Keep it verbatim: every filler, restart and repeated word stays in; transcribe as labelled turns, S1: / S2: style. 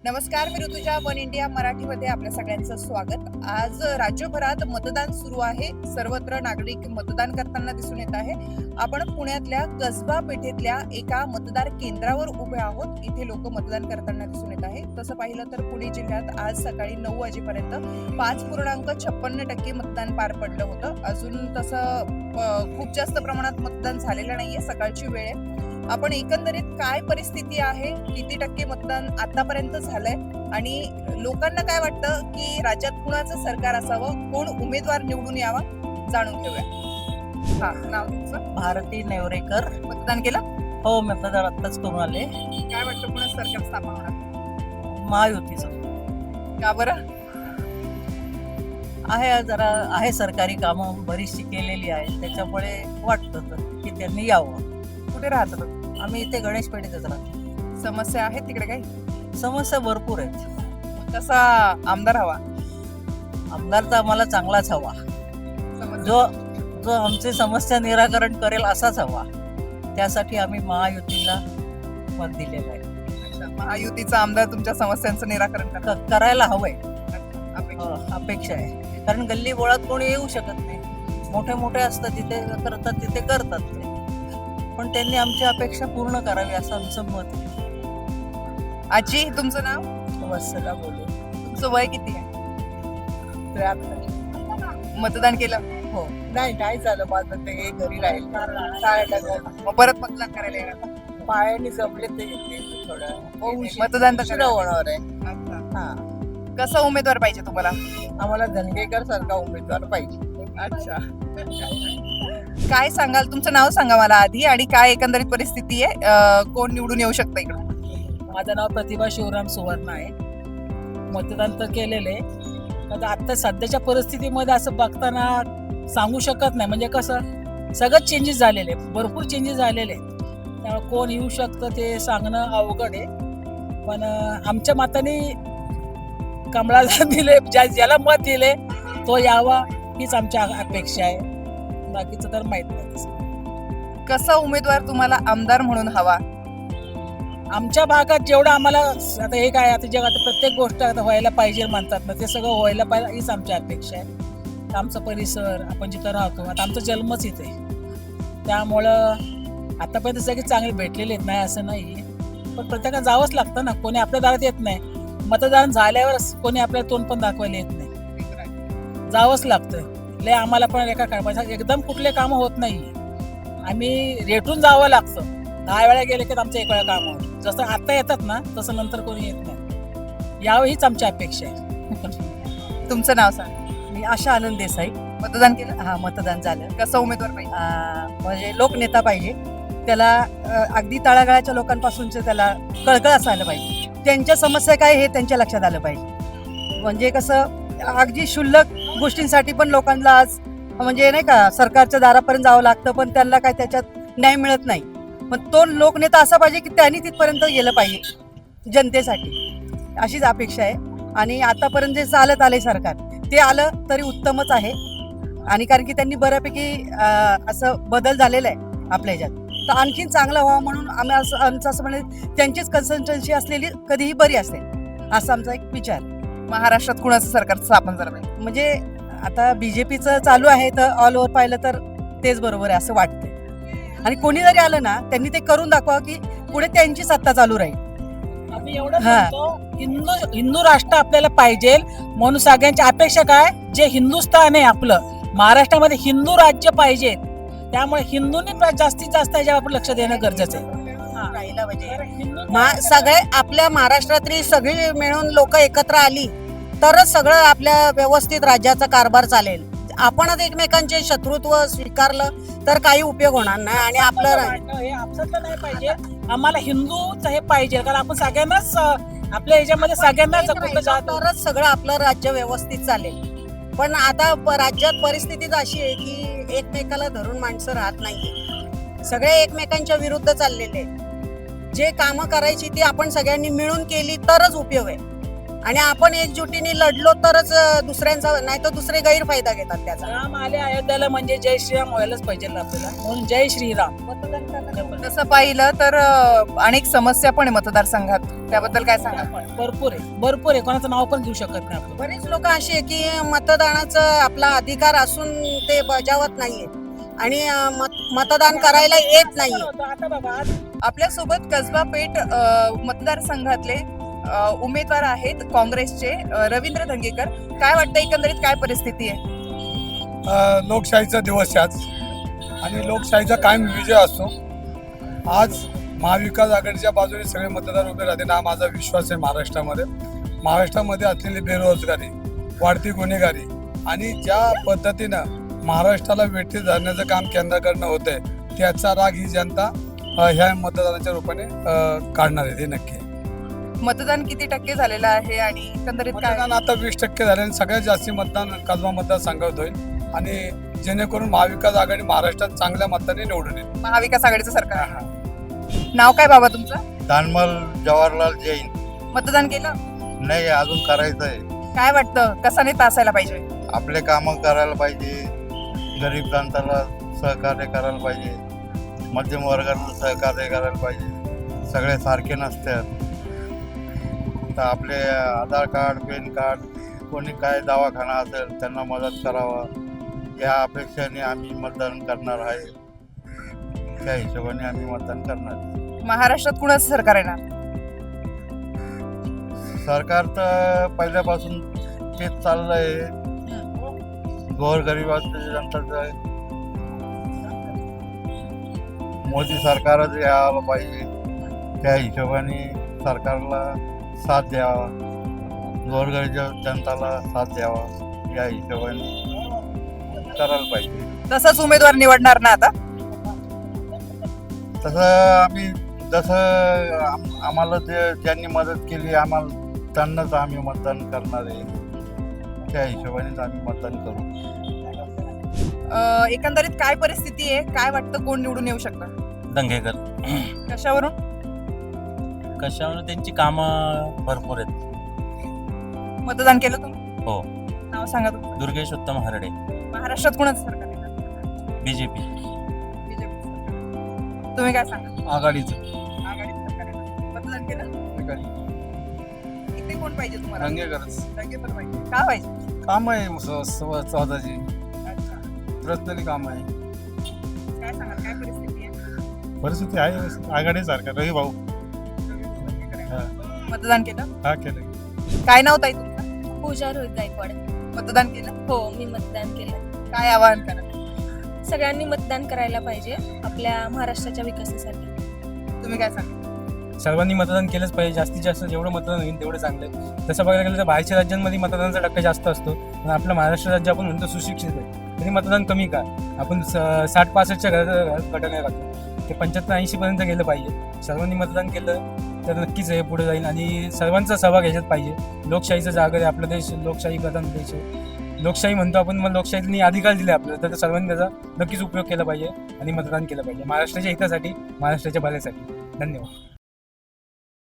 S1: नमस्कार, मी Rutuja. One India मराठीमध्ये आपल्या सगळ्यांचं स्वागत. आज राज्यभरात मतदान सुरू आहे. सर्वत्र नागरिक मतदान करताना दिसून येत आहे. आपण पुण्यातल्या कसबा पेठेतल्या एका मतदार केंद्रावर उभे आहोत. इथे लोक मतदान करताना दिसून येत आहे. तसं पाहिलं तर पुणे जिल्ह्यात आज सकाळी नऊ वाजेपर्यंत पाच पूर्णांक छप्पन्न टक्के मतदान पार पडलं होतं. अजून तसं खूप जास्त प्रमाणात मतदान झालेलं नाहीये. सकाळची वेळ आहे. आपण एकंदरीत काय परिस्थिती आहे, किती टक्के मतदान आतापर्यंत झालंय आणि लोकांना काय वाटतं की राज्यात कुणाचं सरकार असावं, कोण उमेदवार निवडून यावा, जाणून घेऊया. हा, नाव तुमचं?
S2: भारती नेवरेकर.
S1: मतदान केलं?
S2: हो, मतदार आत्ताच करून आले.
S1: काय वाटतं कुणाचं सरकार स्थापन होणार?
S2: महायुतीचं
S1: का बरं?
S2: आहे, जरा आहे सरकारी कामं बरीचशी केलेली आहे, त्याच्यामुळे वाटतं की त्यांनी यावं.
S1: कुठे राहतात?
S2: आम्ही इथे गणेश पेठेतच राहतो.
S1: समस्या आहेत तिकडे काही?
S2: समस्या भरपूर आहेत.
S1: कसा आमदार हवा?
S2: आमदार तर आम्हाला चांगलाच हवा,
S1: समस्या-
S2: जो जो आमची समस्या निराकरण करेल असाच हवा. त्यासाठी आम्ही महायुतीला मत दिलेलं आहे.
S1: अच्छा, महायुतीचा आमदार तुमच्या समस्यांचं निराकरण करणार?
S2: क- करायला हवंय,
S1: अपेक्षा.
S2: अ, अपेक्षा आहे. कारण गल्ली बोळात कोणी येऊ शकत नाही. मोठे मोठे असतात तिथे करतात, तिथे करतात ते. पण त्यांनी आमची अपेक्षा पूर्ण करावी असं आमचं मत आहे.
S1: आजी, तुमचं नाव?
S2: वत्सला बोलू.
S1: तुमचं वय किती आहे? मतदान केलं?
S2: हो, नाही नाही झालं माझं, ते घरी राहील.
S1: मग परत मतदान करायला येणार?
S2: पायाने जमले ते येते थोडं.
S1: मतदान तर
S2: उशिरा होणार आहे.
S1: अच्छा.
S2: हा,
S1: कसा उमेदवार पाहिजे तुम्हाला?
S2: आम्हाला धनगेकर सारखा उमेदवार पाहिजे.
S1: अच्छा. काय सांगाल? तुमचं नाव सांगा मला आधी, आणि काय एकंदरीत परिस्थिती आहे, अं, कोण निवडून येऊ शकतं इकडं?
S2: माझं नाव प्रतिभा शिवराम सुवर्ण आहे. मतदान तर केलेले. आता आता सध्याच्या परिस्थितीमध्ये असं बघताना सांगू शकत नाही. म्हणजे कसं सगळं चेंजेस झालेले, भरपूर चेंजेस झालेले. त्यामुळे कोण येऊ शकतं ते सांगणं अवघड आहे. पण अं, आमच्या मताने कमळाला दिले, ज्या ज्याला मत दिले तो यावा हीच आमची अपेक्षा आहे. बाकीचं तर माहित नाही तसं.
S1: कसा उमेदवार तुम्हाला आमदार म्हणून हवा?
S2: आमच्या भागात जेवढं आम्हाला आता हे काय, आता जगात प्रत्येक गोष्ट आता व्हायला पाहिजे म्हणतात ना, ते सगळं व्हायला पाहिजे हीच आमची अपेक्षा आहे. आमचा परिसर, आपण जिथं राहतो, आता आमचा जन्मच इथे, त्यामुळं आतापर्यंत सगळे चांगले भेटलेले आहेत, नाही असं नाही. पण प्रत्येकाला जावंच लागतं ना, कोणी आपल्या दारात येत नाही. मतदान झाल्यावर कोणी आपल्याला तोंड पण दाखवायला येत नाही, जावंच लागतं. लय आम्हाला पण एका कामाचं एकदम कुठले कामं होत नाही. आम्ही रेटून जावं लागतं. दहा वेळा गेले की आमचं एक वेळा काम होतं. जसं आता येतात ना तसं नंतर कोणी येत नाही. यावं हीच आमची अपेक्षा आहे.
S1: तुमचं नाव सांगा.
S3: मी आशा आनंद देसाई.
S1: मतदान केलं?
S3: हा, मतदान झालं.
S1: कसा उमेदवार पाहिजे?
S3: आ, म्हणजे लोकनेता पाहिजे. त्याला अ, अगदी तळागाळाच्या लोकांपासूनच त्याला कळकळ असायला पाहिजे. त्यांच्या समस्या काय हे त्यांच्या लक्षात आलं पाहिजे. म्हणजे कसं अगदी क्षुल्लक गोष्टींसाठी पण लोकांना आज म्हणजे नाही का सरकारच्या दारापर्यंत जावं लागतं, पण त्यांना काय त्याच्यात न्याय मिळत नाही. पण तो लोकनेता असा पाहिजे की त्यांनी तिथपर्यंत गेलं पाहिजे जनतेसाठी, अशीच अपेक्षा आहे. आणि आतापर्यंत जे चालत आले सरकार, ते आलं तरी उत्तमच आहे. आणि कारण की त्यांनी बऱ्यापैकी अं, असं बदल झालेला आहे आपल्या ह्याच्यात, तर आणखीन चांगलं व्हावं म्हणून आम्ही असं आमचं असं म्हणजे त्यांचीच कन्सल्टन्सी असलेली कधीही बरी असते, असा आमचा एक विचार.
S1: महाराष्ट्रात कुणाचं सरकार स्थापन झालं पाहिजे?
S3: म्हणजे आता बीजेपीचं चालू आहे, तर ऑल ओव्हर पाहिलं तर तेच बरोबर आहे असं वाटतं. आणि कोणी जरी आलं ना, त्यांनी ते करून दाखवा की पुढे त्यांची सत्ता चालू राहील.
S2: आम्ही एवढं
S3: हा.
S2: म्हणतो, हिंदू हिंदू राष्ट्र आपल्याला पाहिजे म्हणून सगळ्यांची अपेक्षा काय, जे हिंदुस्थान आहे आपलं, महाराष्ट्रामध्ये हिंदू राज्य पाहिजे. त्यामुळे हिंदूंनी जास्तीत जास्त याच्यावर लक्ष देणं गरजेचं आहे.
S4: राहिलं म्हणजे
S2: हिंदू-
S4: मा- सगळे आपल्या महाराष्ट्रातली सगळी मिळून लोक एकत्र आली तरच सगळं आपल्या व्यवस्थित राज्याचा कारभार चालेल. आपणच एकमेकांचे शत्रुत्व स्वीकारलं तर काही उपयोग होणार नाही. आणि आपलं रा-
S2: वाटणं हे आपसातलं नाही पाहिजे, आम्हाला हिंदूच हे पाहिजे. कारण आपण सगळ्यांनाच अं, आपल्या याच्यामध्ये सगळ्यांनाच
S4: एक
S2: कुठं
S4: राहिलं
S2: जात
S4: तरच सगळं आपलं राज्य व्यवस्थित चालेल. पण आता प- राज्यात परिस्थितीच अशी आहे की एकमेकाला धरून माणसं राहत नाही. सगळे एकमेकांच्या विरुद्ध चाललेले आहेत. जे कामं करायची ती आपण सगळ्यांनी मिळून केली तरच उपयोग आहे. आणि आपण एकजुटीने लढलो तरच अं, दुसऱ्यांचा नाही तर दुसरे गैरफायदा घेतात त्याचा.
S2: राम आले अयोध्याला म्हणजे जय श्रीराम व्हायलाच पाहिजे आपल्याला, म्हणून जय श्रीराम. मतदान करताना
S1: तसं पाहिलं तर अं, अनेक समस्या पण आहे मतदारसंघात, त्याबद्दल काय सांगा?
S2: भरपूर आहे, भरपूर आहे. कोणाचं नाव पण घेऊ शकत नाही आपण.
S4: बरेच लोक अशी आहे की मतदानाचा आपला अधिकार असून ते बजावत नाहीये आणि अं, मत- मतदान करायला येत नाहीये.
S2: आता बघा, आज
S1: आपल्यासोबत कसबा पेठ अं, मतदारसंघातले अं, उमेदवार आहेत काँग्रेसचे अं, रवींद्र धंगेकर. काय वाटतं एकंदरीत काय परिस्थिती आहे?
S5: अ, लोकशाहीचा दिवस आहे आज आणि लोकशाहीचा कायम विजय असतो. आज महाविकास आघाडीच्या बाजूने सगळे मतदार उभे राहतील हा माझा विश्वास आहे. महाराष्ट्रामध्ये महाराष्ट्रामध्ये असलेली बेरोजगारी, वाढती गुन्हेगारी आणि ज्या पद्धतीनं महाराष्ट्राला वेठी धरण्याचं काम केंद्राकडनं होत आहे त्याचा राग ही जनता अ, ह्या मतदानाच्या रूपाने अ, काढणार आहे, हे नक्की आहे.
S1: मतदान किती टक्के झालेलं आहे आणि एकंदरीत काय?
S5: मतदान आता वीस टक्के झाले आणि सगळ्यात जास्त मतदान कसबा मतदारसंघात होईल आणि जेणेकरून महाविकास आघाडी महाराष्ट्रात चांगल्या मताने निवडून येईल.
S1: महाविकास आघाडीचं सरकार आहे. नाव काय बाबा तुमचं?
S6: दानमल जवाहरलाल जैन.
S1: मतदान केलं?
S6: नाही, अजून करायचं आहे.
S1: काय वाटतं कसा नेता असायला पाहिजे?
S6: आपले कामं करायला पाहिजे, गरीब जनताला सहकार्य करायला पाहिजे, मध्यम वर्गाला सहकार्य करायला पाहिजे. सगळे सारखे नसतात तर आपले आधार कार्ड, पॅन कार्ड, कोणी काय दवाखाना असेल त्यांना मदत करावा या अपेक्षेने आम्ही मतदान करणार आहे. त्या हिशोबाने आम्ही मतदान करणार.
S1: महाराष्ट्रात कुणाचं सरकार येणार?
S6: सरकार तर पहिल्यापासून तेच चाललंय, गोरगरिबाचं जनताचं. मोदी सरकारच यायला पाहिजे, त्या हिशोबाने सरकारला साथ द्यावा, गोरगरीब जनताला साथ द्यावा या हिशोबाने करायला पाहिजे.
S1: तसंच उमेदवार निवडणार ना आता?
S6: तसं आम्ही जसं आम- आम्हाला ते ज्यांनी मदत केली आम्हाला त्यांनाच आम्ही मतदान करणार आहे. त्या हिशोबानेच आम्ही मतदान करू.
S1: अं, एकंदरीत काय परिस्थिती आहे? काय वाटतं कोण निवडून येऊ शकतं?
S7: दंगेकर.
S1: कशावरून?
S7: कशावर त्यांची कामं भरपूर आहेत.
S1: मतदान केलं तुम्ही?
S7: हो.
S1: नाव सांगा तुमचं.
S7: दुर्गेश उत्तम हरडे,
S1: महाराष्ट्रात कुणाचं सरकार येणार?
S7: बीजेपी.
S1: बीजेपी सरकार. तुम्ही काय सांगा?
S5: आघाडीचं
S1: आघाडीचं सरकार येणार. मतदान केलं? इथे कोण पाहिजे तुम्हाला?
S5: दंगेकरच
S1: दंगेकर पाहिजे. का पाहिजे?
S5: काम आहे स्वतःची
S1: अच्छा.
S5: पर्सनली काम आहे.
S1: काय सांगाल काय परिस्थिती आहे?
S5: परिस्थिती आहे आघाडी सरकार. रवी भाऊ
S1: मतदान केलं?
S5: हा केलं.
S1: काय नाव ताई तुमचं?
S8: पूजा रोहित गायकवाड.
S1: मतदान केलं?
S8: हो, मी मतदान केलं.
S1: काय आवाहन करा?
S8: सगळ्यांनी मतदान करायला पाहिजे आपल्या महाराष्ट्राच्या विकासासाठी.
S1: तुम्ही काय सांगा?
S9: सर्वांनी मतदान केलंच पाहिजे. जास्तीत जास्त जेवढं मतदान होईल तेवढं चांगलं आहे. तसं बघायला गेलं तर बाहेरच्या राज्यांमध्ये मतदानाचा टक्का जास्त असतो, पण आपलं महाराष्ट्र राज्य आपण म्हणतो सुशिक्षित आहे, तरी मतदान कमी का? आपण स- साठ पासष्टच्या घरात गटाने राहतो, ते पंच्याहत्तर ऐंशीपर्यंत गेलं पाहिजे. सर्वांनी मतदान केलं तर नक्कीच हे पुढे जाईल आणि सर्वांचा सहभाग ह्याच्यात पाहिजे. लोकशाहीचा जागर आहे आपला देश, लोकशाही प्रधान देश आहे. लोकशाही म्हणतो आपण, मग लोकशाहीने अधिकार दिले आपल्याला, तर सर्वांनी त्याचा नक्कीच उपयोग केला पाहिजे आणि मतदान केलं पाहिजे महाराष्ट्राच्या हितासाठी, महाराष्ट्राच्या भल्यासाठी. धन्यवाद.